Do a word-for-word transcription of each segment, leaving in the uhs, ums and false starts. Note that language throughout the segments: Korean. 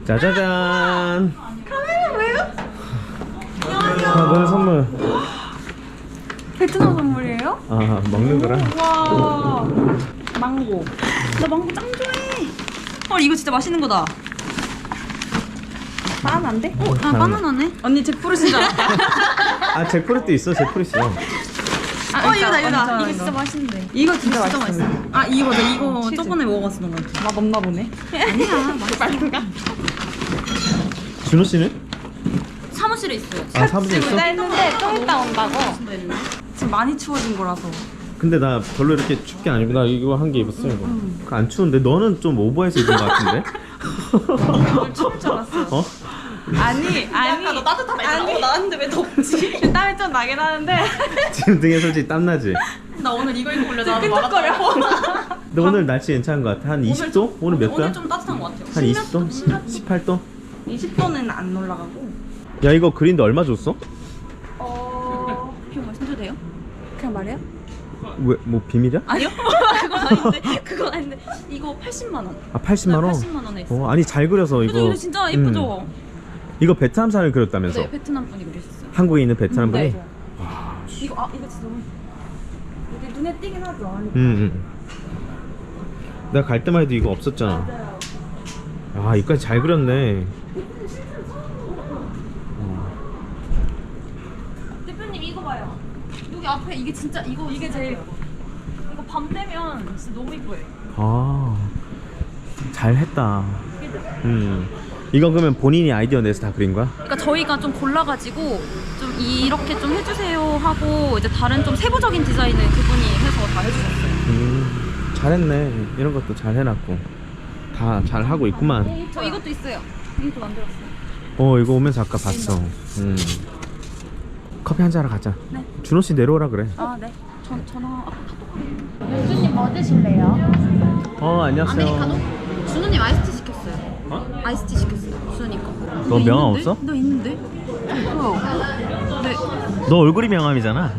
짜자잔. 카메라 왜요? 안녕하세요. 아, 너의 선물. 베트남 선물이에요? 아, 먹는 거라. 와 망고. 나 망고 짱 좋아해. 헐 이거 진짜 맛있는 거다. 바나나인데? 어, 아 바나나네. 언니 잭프루트인 줄 알았다. 아, 잭프루트 있어, 잭프루트 있어. 아, 어 이거다 이거다. 이거 진짜 맛있는데. 이거 진짜, 진짜 맛있어. 아 이거 맞아. 이거 치즈. 저번에 먹어봤었던 거 같아. 맛 없나 보네. 아니야. 맛있을까? 준호 씨는? 사무실에 있어요. 아, 사무실에 있어? 했는데 좀 이따 온다고. 지금 많이 추워진 거라서. 근데 나 별로 이렇게 춥게 안 입고 나 이거 한 개 입었어 이거. 음. 안 추운데 너는 좀 오버해서 입은 거 같은데? 오늘 추울 줄 알았어요. 어? 아니 아니 너 따뜻하다 아니 나왔는데 왜 덥지? 땀이 좀 나긴 하는데 지금 등에 솔직히 땀 나지? 나 오늘 이거 입고 올려다 끈적거려. 근데 오늘 날씨 괜찮은 거 같아. 한 이십 도? 오늘 몇 도야? 오늘 좀 따뜻한 거 같아요. 한 이십 도? 십팔 도? 이십 도는 안 올라가고. 야, 이거 그린데 얼마 줬어? 어... 그냥 말씀드려도 돼요? 그냥 말해요? 왜, 뭐 비밀이야? 아니요. 그건 아닌데 그건 아닌데 이거 팔십만 원. 아, 팔십만 원? 네, 팔십만 원에 있어. 어, 아니 잘 그려서 이거. 그죠? 이거 진짜 예쁘죠? 음. 이거 베트남산을 그렸다면서? 네, 베트남 분이 그리셨어요. 한국에 있는 베트남 분이? 네. 와, 이거 아 이거 진짜 너무 이게 눈에 띄긴 하죠. 응, 응. 내가 갈 때만 해도 이거 없었잖아. 아, 이까지 잘 그렸네. 대표님 이거 봐요. 여기 앞에 이게 진짜 이거 이게 제일 이거 밤 되면 진짜 너무 이뻐요. 아, 잘했다. 음. 이건 그러면 본인이 아이디어 내서 다 그린 거야? 그러니까 저희가 좀 골라가지고 좀 이렇게 좀 해주세요 하고 이제 다른 좀 세부적인 디자인을 그분이 해서 다 해주셨어요. 음, 잘했네. 이런 것도 잘 해놨고 다 잘 하고 있구만. 저 이것도 있어요. 이것도 만들었어요. 어, 이거 오면서 아까 봤어. 음. 커피 한잔 하러 가자. 네. 준호 씨 내려오라 그래. 아 네. 전 전화. 아, 윤주님 뭐 드실래요? 어, 안녕하세요. 아메리카노? 준우님 아이스티 시켰어요. 어? 아이스티 시켰어요. 준우님 거. 너 명함 없어? 너 있는데? 뭐야? 네. 너 얼굴이 명함이잖아.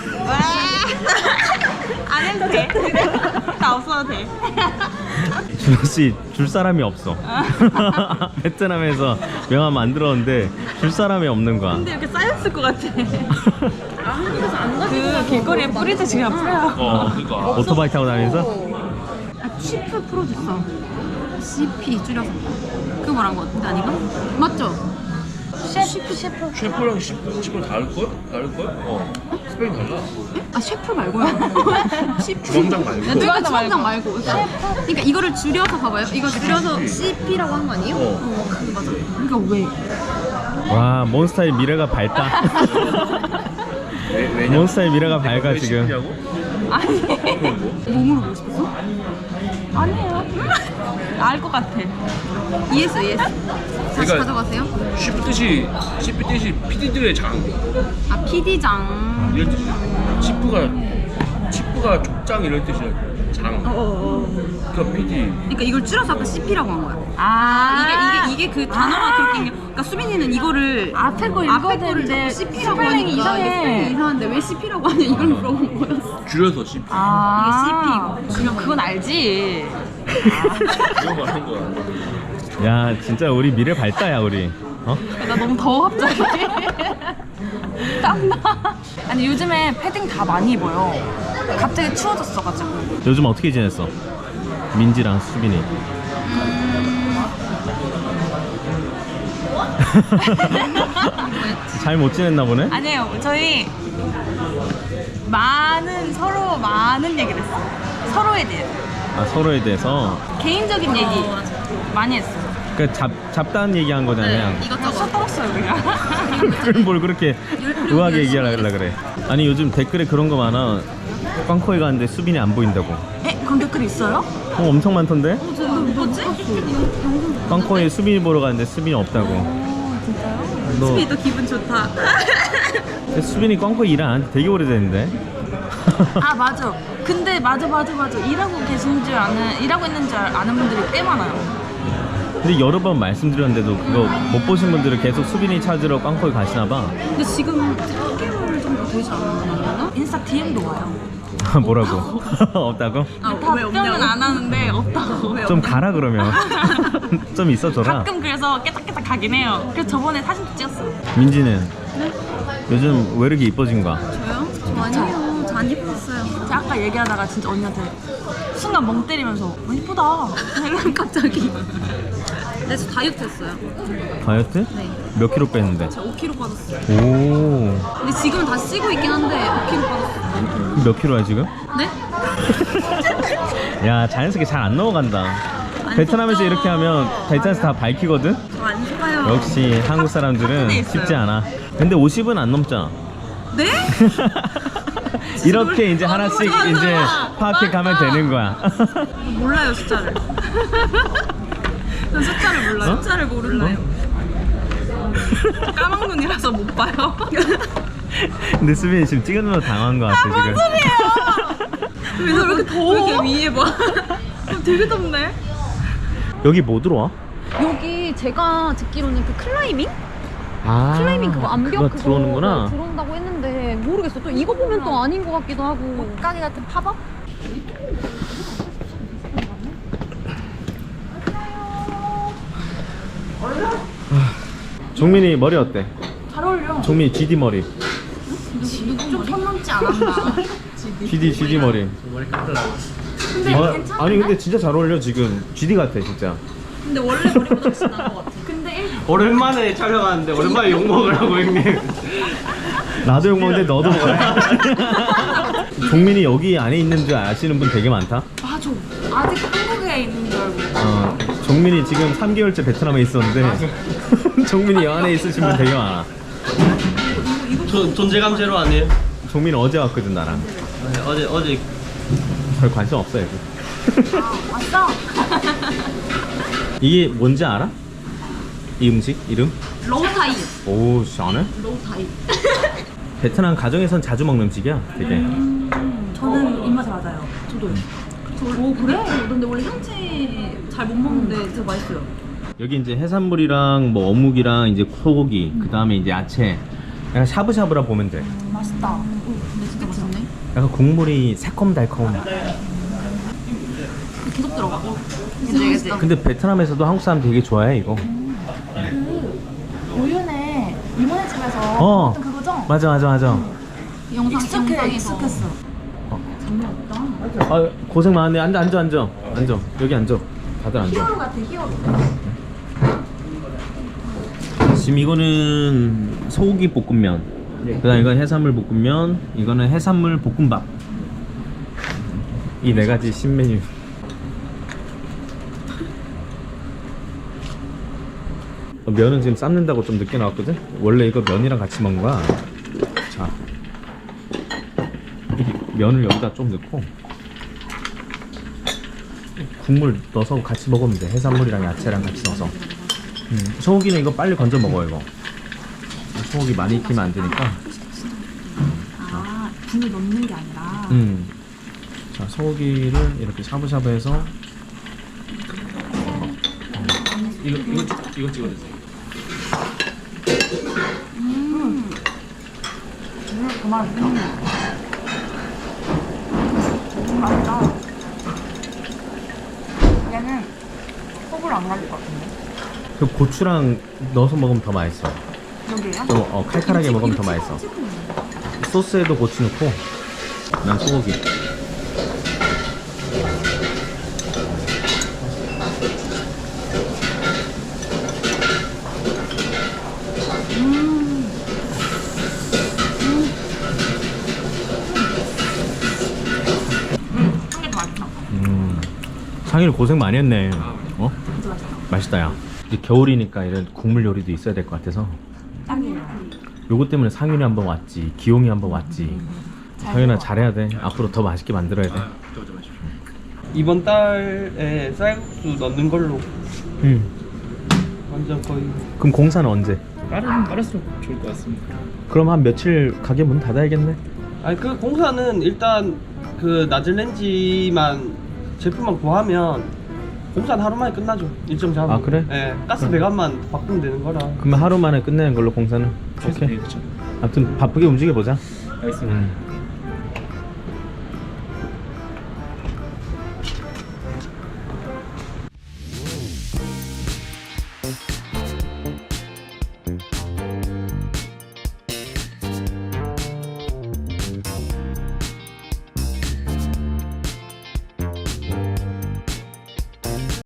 안 해도 돼. 나 없어도 돼. 준호 씨 줄 사람이 없어. 베트남에서 명함 만들었는데 줄 사람이 없는 거야. 근데 이렇게 쌓였을 것 같아. 아, 한국에서 안 가지고 그 길거리에 뿌리듯이 그냥 뿌려요. 어, 그러니까. 오토바이 타고 다니면서? 아, 치프 프로듀서. 씨피 줄여서. 그거 말한 거 같은데 아닌가? 맞죠? 셰프 셰프. 셰프랑 셰프, 셰프랑 다를걸? 다를걸? 어. 스페인 달라. 아 셰프 말고요. 셰프. 주방장 말고. 네, 그러니까 주방장 말고. 그러니까 이거를 줄여서 봐봐요. 이거 줄여서 씨피라고 한 거 아니에요? 어. 어, 맞아. 그러니까 왜? 와, 몬스타의 미래가 밝다. 왜, 왜냐? 몬스타의 미래가 밝아 왜 지금. 셰프냐고? 아니. 그럼 뭐? 뭐 물어보고 싶었어? 아니에요. 알 것 같아. 이해했어, 이해했어. 다시 그러니까- 가져가세요. 셰프 뜻이, 셰프 뜻이 피디들의 장. 아, 피디장. 이런 뜻이야. 치프가, 치프가 족장 이런 뜻이야. 장. 어어어. 그러니까 피디. 그러니까 이걸 줄여서 아까 씨피라고 한 거야. 아, 이게, 이게, 이게 그 단어가 그렇게. 있는- 그러니까 수빈이는 이거를. 앞에 거 읽어야 거를 되는데 자꾸 씨피라고 스펠링이 하니까. 이상해. 이게 스펠링이 이상한데 왜 씨피라고 하냐 이걸 물어본 거였어. 줄여서 셰프. 아, 이게 씨피고. 그럼 그건 알지. 이거 말한 거야. 야, 진짜 우리 미래 밝다야 우리. 어? 나 너무 더워 갑자기. 땀나. 아니 요즘에 패딩 다 많이 입어요. 갑자기 추워졌어가지고. 요즘 어떻게 지냈어? 민지랑 수빈이. 잘 못 지냈나 보네? 아니에요. 저희 많은 서로 많은 얘기를 했어요. 서로에 대해 아, 서로에 대해서. 개인적인 얘기 많이 했어요. 그 잡, 잡다한 얘기한 거잖아 그냥. 이것저것 써먹었어요 그냥. 그걸 뭘 그렇게 의하게 얘기하려 그래. 아니 요즘 댓글에 그런 거 많아. 꽝코에 가는데 수빈이 안 보인다고. 에? 그런 댓글 있어요? 어, 엄청 많던데? 뭐지? 꽝코에 수빈이 보러 가는데 수빈이 없다고. 진짜요? 너 수빈이 또 기분 좋다. 수빈이 꽝코에 일 안 한 지 되게 오래됐는데. 아 맞아. 근데 맞아 맞아 맞아. 일하고 계신 줄 아는 일하고 있는 줄 아는 분들이 꽤 많아요. 근데 여러 번 말씀드렸는데도 그거 못 보신 분들은 계속 수빈이 찾으러 꽝코에 가시나 봐. 근데 지금 삼 개월 정도 보이지 않는 인스타 디엠도 와요. 뭐라고? 없다고? 아, 답변은 안 하는데 없다고. 왜 좀 가라 그러면. 좀 있어줘라. 가끔 그래서 깨딱깨딱 가긴 해요. 그래서 저번에 사진도 찍었어요. 민지는 요즘 왜 이렇게 이뻐진 거야? 저요? 저 아니에요. 저 안 예뻤어요. 제가 아까 얘기하다가 진짜 언니한테 순간 멍 때리면서 어, 이쁘다. 이러면 갑자기. 네, 저 다이어트 했어요. 다이어트? 네. 몇 킬로 뺐는데? 저 오 킬로그램 빠졌어요. 오. 근데 지금은 다시 찌고 있긴 한데 오 킬로그램 빠졌어요. 몇 킬로야 지금? 네? 야 자연스럽게 잘 안 넘어간다. 베트남에서 속죠. 이렇게 하면 베트남에서 다 밝히거든? 저 안 속아요. 역시 한국 사람들은 탑- 탑에 있어요. 쉽지 않아. 근데 오십은 안 넘잖아. 네? 이렇게 이제 아, 하나씩 맞아. 이제 파악해 가면 맞아. 되는 거야. 몰라요 숫자를. 전 숫자를 몰라요. 어? 숫자를 모르나요? 까막 눈이라서 못 봐요. 근데 수빈이 지금 찍으면서 당한 거 같아 지금. 왜, 왜 이렇게 더워? 왜 이렇게 위에 봐? 되게 덥네. 여기 뭐 들어와? 여기 제가 듣기로는 그 클라이밍? 아, 클라이밍 그거 암벽 그거 그거 들어오는구나. 네, 들어온다고 했는데 모르겠어. 또 이거 보면 또 아닌 것 같기도 하고. 가게 같은 팝업? 종민이 머리 어때? 잘 어울려. 종민이 지디 머리. 좀선 넘지 않았나? 지디 지디 머리. 머리 깎으라고. 근데 어, 괜찮은데? 아니 근데 진짜 잘 어울려 지금. 지디 같아 진짜. 근데 원래 머리보다 훨씬 나은 것 같아. 근데 일... 오랜만에 촬영하는데 오랜만에 욕 먹으라고 형님. 나도 욕 먹는데 너도 먹어라. 종민이 여기 안에 있는 줄 아시는 분 되게 많다. 맞아. 아직 한국에 있는 줄 알고. 어, 종민이 지금 삼 개월째 베트남에 있었는데 종민이 여 안에 있으신 분 되게 많아. 저 존재감 제로 아니에요? 종민이 어제 왔거든 나랑. 네, 어제 어제 별 관심 없어 여기. 왔어? 이게 뭔지 알아? 이 음식 이름? 로우타이. 오, 씨, 안 해? 로우타이. 베트남 가정에선 자주 먹는 음식이야 되게. 저는 입맛에 맞아요. 저도요. 저, 오 그래? 근데 원래 향채 잘 못 먹는데 진짜 맛있어요. 여기 이제 해산물이랑 뭐 어묵이랑 이제 소고기 그 다음에 이제 야채 약간 샤브샤브라 보면 돼. 맛있다. 오, 근데 진짜 맛있네. 약간 국물이 새콤달콤. 계속 들어가. 그치 그치. 근데 베트남에서도 한국 사람 되게 좋아해 이거. 우윤에 이모네 집에서 어 먹던 그거죠? 맞아 맞아 맞아. 영상 익숙해, 영상에서. 익숙했어. 아 고생 많네. 앉아 앉아 앉아 앉아 여기 앉아. 다들 앉아. 히어로 같아 히어로. 지금 이거는 소고기 볶음면, 그다음 이건 해산물 볶음면, 이거는 해산물 볶음밥. 이 네 가지 신메뉴. 어, 면은 지금 삶는다고 좀 늦게 나왔거든? 원래 이거 면이랑 같이 먹는 거야. 자, 이 면을 여기다 좀 넣고 국물 넣어서 같이 먹으면 돼. 해산물이랑 야채랑 같이 넣어서. 음, 소고기는 이거 빨리 건져 먹어 이거. 소고기 많이 익히면 안 되니까. 아 국물 넣는 게 아니라. 음. 자, 소고기를 이렇게 샤브샤브해서. 어, 이거 이거 찍- 이거 찍어주세요. 음. 그 맛있다. 맛있다. 얘는 속을 안 가질 것 같은데. 그 고추랑 넣어서 먹으면 더 맛있어. 여기에요? 좀 어, 칼칼하게 먹으면 더 맛있어. 소스에도 고추 넣고. 난 소고기. 한개 더 맛있다. 음. 상일 고생 많이 했네. 어? 진짜 맛있다. 맛있다 야. 이제 겨울이니까 이런 국물 요리도 있어야 될 것 같아서. 딱이에요. 요거 때문에 상윤이 한번 왔지, 기용이 한번 왔지. 상윤아 잘해야 돼. 앞으로 더 맛있게 만들어야 돼. 저저 마십시오. 이번 달에 쌀국수 넣는 걸로 음. 완전 거의 그럼 공사는 언제? 빠른 빠를수록 좋을 것 같습니다. 그럼 한 며칠 가게 문 닫아야겠네. 아니 그 공사는 일단 그 나즐렌지만 제품만 구하면 공사는 하루 만에 끝나죠. 일정 잡으면. 아, 그래? 예, 가스 배관만 바꾸면 되는 거라. 그러면 하루 만에 끝내는 걸로 공사는. 오케이. 그렇죠. 아무튼 바쁘게 움직여 보자. 알겠습니다. 음.